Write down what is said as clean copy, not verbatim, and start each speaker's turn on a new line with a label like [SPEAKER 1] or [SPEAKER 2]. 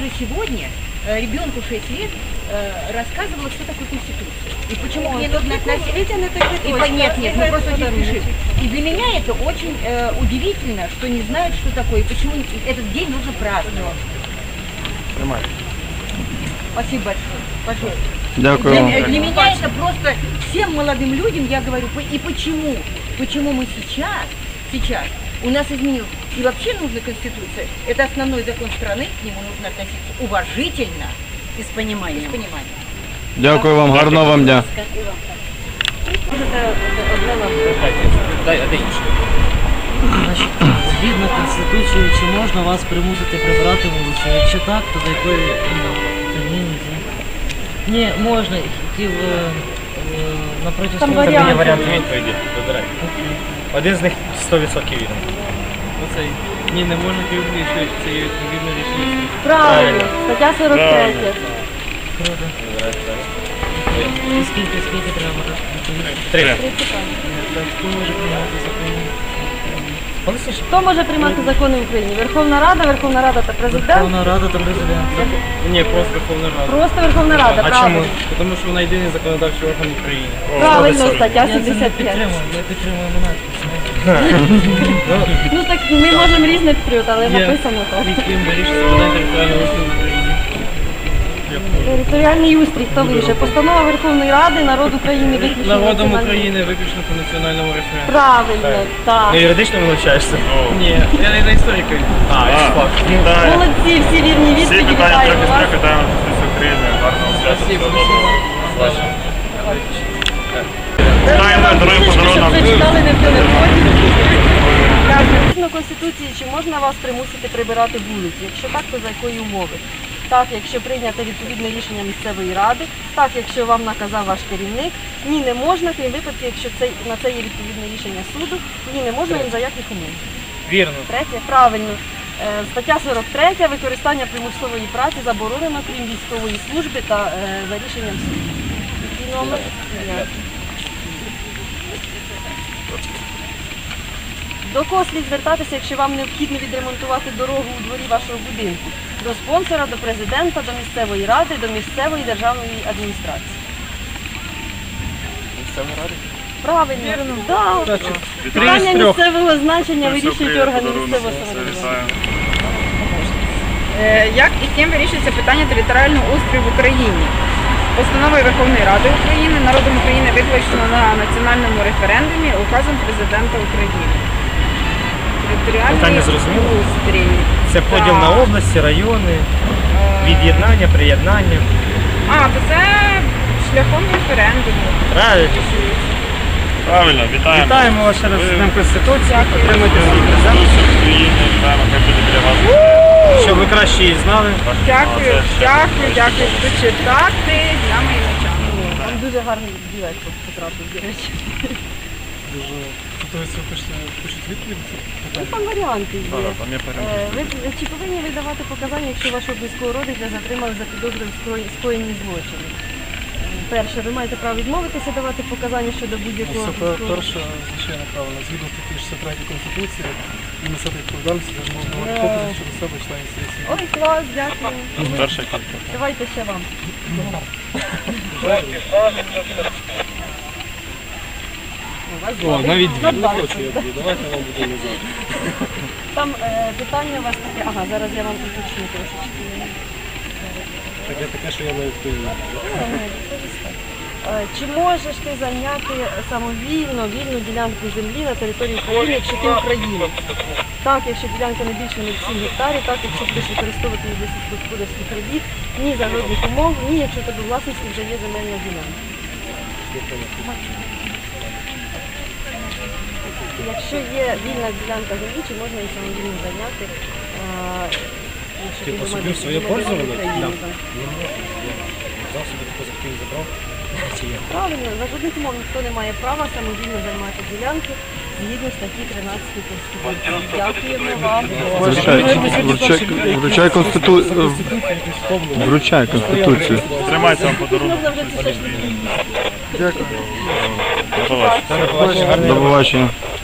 [SPEAKER 1] уже сегодня ребенку 6 лет рассказывала, что такое Конституция. И почему к ней нужно относиться. Нет, мы просто очень спешим. И для меня это очень удивительно, что не знают, что такое, и почему этот день нужно праздновать. Спасибо большое. Пожалуйста. Для меня это просто всем молодым людям, я говорю, и почему мы сейчас у нас изменилось. И вообще нужна Конституция. Это основной закон страны, к нему нужно относиться уважительно и с пониманием.
[SPEAKER 2] Дякую вам, гарного вам дня.
[SPEAKER 3] Значить, згідно Конституції, чи можна вас примусити прибирати вулицю? Якщо так, то до якої терміни? Ні, можна. Хотів напроти
[SPEAKER 4] Там
[SPEAKER 3] свого...
[SPEAKER 4] варіанти.
[SPEAKER 5] Варіанти відповіді, вибирай. Один з них 100% вірний.
[SPEAKER 6] Оцей. Ні, не можна керівник, що це є відповідне рішення.
[SPEAKER 4] Правильно, стаття 43.
[SPEAKER 3] Круто. І скільки треба відповідати?
[SPEAKER 5] 3.
[SPEAKER 3] Хто може приймати закони?
[SPEAKER 4] Хто може приймати закони в Україні? Верховна Рада та Президент?
[SPEAKER 3] Верховна Рада та Президент.
[SPEAKER 6] Ні, просто Верховна Рада.
[SPEAKER 4] Просто Верховна Рада,
[SPEAKER 5] А
[SPEAKER 4] правильно.
[SPEAKER 5] чому?
[SPEAKER 6] Тому що вона єдиний законодавчий орган України.
[SPEAKER 4] Правильно, стаття
[SPEAKER 3] Я це не
[SPEAKER 4] 75.
[SPEAKER 3] підтримую, я підтримую монархію.
[SPEAKER 4] Ну так ми можемо різне підтримати, але написано так.
[SPEAKER 6] Яким вирішиться питання територіального устрою в Україні.
[SPEAKER 4] Територіальний устрій, хто вище? Постанова Верховної Ради, народ України виключно.
[SPEAKER 6] Народом
[SPEAKER 4] національний-
[SPEAKER 6] України виключно по національному референдуму.
[SPEAKER 4] Правильно, так.
[SPEAKER 5] Ну, юридично не навчаєшся?
[SPEAKER 6] Ні, я не історика.
[SPEAKER 5] факт.
[SPEAKER 4] Молодці, всі вірні відповіді, вітаємо вас.
[SPEAKER 5] питання Конституції України. Гарного свята.
[SPEAKER 6] Спасибо.
[SPEAKER 5] Вітаємо, даруємо подарунок.
[SPEAKER 4] Прочитали не в телефоні. Згідно Конституції, чи можна вас примусити прибирати вулиці? Якщо так, то за якої умови? Так, якщо прийнято відповідне рішення місцевої ради, так, якщо вам наказав ваш керівник, ні, не можна, крім випадків, якщо на це є відповідне рішення суду, ні, не можна ні за яких умов.
[SPEAKER 5] Вірно.
[SPEAKER 4] Третє, правильно. Стаття 43. Використання примусової праці заборонено, крім військової служби та за рішенням суду. Який номер? До кого слід звертатися, якщо вам необхідно відремонтувати дорогу у дворі вашого будинку? До спонсора, до президента, до місцевої ради, до місцевої державної адміністрації.
[SPEAKER 5] Місцевої ради?
[SPEAKER 4] Правильно, так. Питання місцевого значення вирішують органи місцевого самоврядування.
[SPEAKER 7] Як і ким вирішується питання територіального устрою в Україні? Постановою Верховної Ради України, народом України виключено на національному референдумі, указом Президента України. Територіальний
[SPEAKER 5] Питання зрозуміло?
[SPEAKER 7] устрій.
[SPEAKER 5] Це поділ на області, райони, від'єднання, приєднання.
[SPEAKER 7] То це шляхом референдуму.
[SPEAKER 5] Правильно.
[SPEAKER 8] Правильно, вітаємо.
[SPEAKER 5] Вітаємо вас ще раз з Днем Конституції.
[SPEAKER 7] Дякую.
[SPEAKER 5] Отримуйте свій презент.
[SPEAKER 8] України, вітаємо, хай буде біля вас.
[SPEAKER 5] Щоб ви краще її знали.
[SPEAKER 7] Дякую. Буду читати для моїх навчання.
[SPEAKER 4] Вам дуже гарний білет потрапив, до речі.
[SPEAKER 6] Хочуть відповідь?
[SPEAKER 4] Там варіанти є.
[SPEAKER 8] Там є перемога.
[SPEAKER 4] Ви чи повинні ви давати показання, якщо вашого близького родича затримали за підозрою в скоєнні злочину? Перше, ви маєте право відмовитися давати показання щодо будь-якого
[SPEAKER 6] Це
[SPEAKER 4] близького.
[SPEAKER 6] перше, звичайно, правильно. Згідно статті 63 Конституції, і несете відповідальність за можливі покази щодо себе членів сесії.
[SPEAKER 4] Ой, клас, дякую.
[SPEAKER 8] Перший контакт.
[SPEAKER 4] Давайте ще вам.
[SPEAKER 6] О, навіть дві.
[SPEAKER 4] Не
[SPEAKER 6] хочу я дві. Давайте вам буде назад.
[SPEAKER 4] Там питання у вас таке. Ага, зараз я вам уточню трошечки.
[SPEAKER 6] Таке таке, що я не відповідаю.
[SPEAKER 4] Чи можеш ти зайняти самовільно вільну ділянку землі на території України, якщо ти українець? Так, якщо ділянка не більше 0,7 гектарів, так, якщо будеш використовувати її для сільськогосподарських робіт, ні за жодних умов, ні, якщо тебе у власності вже є земельна ділянка. Якщо є вільна ділянка землі, чи можна її самовільно зайняти? Якщо ти
[SPEAKER 6] Типа
[SPEAKER 4] думаєш,
[SPEAKER 6] собі в
[SPEAKER 4] що
[SPEAKER 6] своє
[SPEAKER 4] ти
[SPEAKER 6] пользование?
[SPEAKER 4] Україні,
[SPEAKER 6] Да.
[SPEAKER 4] так.
[SPEAKER 6] Взяв собі таку захотів забрав. Чи є?
[SPEAKER 4] Правильно, за жодних умов ніхто не має права самовільно займати ділянки згідно статті 13 Конституції. Дякуємо вам.
[SPEAKER 2] Вручай Конституцію.
[SPEAKER 8] Тримайте вам подарунок.
[SPEAKER 4] Можна вже це все ж таки.
[SPEAKER 8] До побачення.
[SPEAKER 2] До побачення.